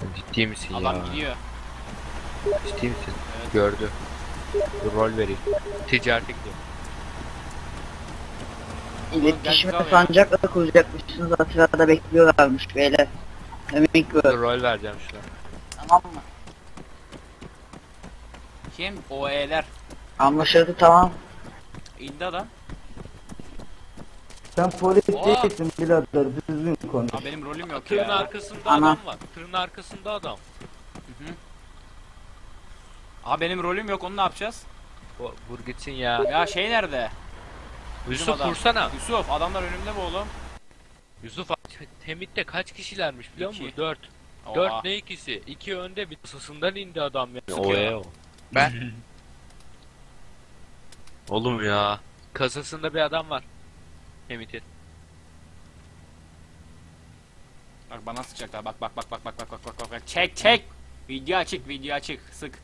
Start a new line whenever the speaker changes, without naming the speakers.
Ciddi misin ya?
Adam gidiyor.
Ciddi misin?
Evet.
Gördü. Dur rol vereyim. Ticarete gidiyor.
Oğlum gel
İletişime
bizi al ya.
sancakla kuracakmışsınız. Atilla'da bekliyorlarmış beyler. Demek ki
Dur rol vereceğim şuna.
tamam mı?
Kim? OE'ler.
Anlaşıldı tamam.
İndi adam.
Sen polis
Aa!
değilsin birader, düzgün konuş.
Aa, benim rolüm yok
Tırın
ya.
arkasında
Ana.
adam var. Tırın arkasında adam.
Hı hı. Aa, benim rolüm yok, onu ne yapacağız?
Vur gitsin ya.
Ya şey nerede?
Yusuf
Bizim adam.
vursana.
Yusuf, adamlar önümde mi oğlum?
Yusuf Temit'te kaç kişilermiş biliyor musun?
İki.
4.
Oha.
4 ne ikisi? 2 önde bir sısından indi adam ya.
Sıkıyor.
O. Ben. Oğlum ya. Kasasında bir adam var. Temit'in.
Bak bana sıkacaklar. Bak bak bak bak bak bak bak bak bak bak. Çek çek. Video açık, video açık. Sık.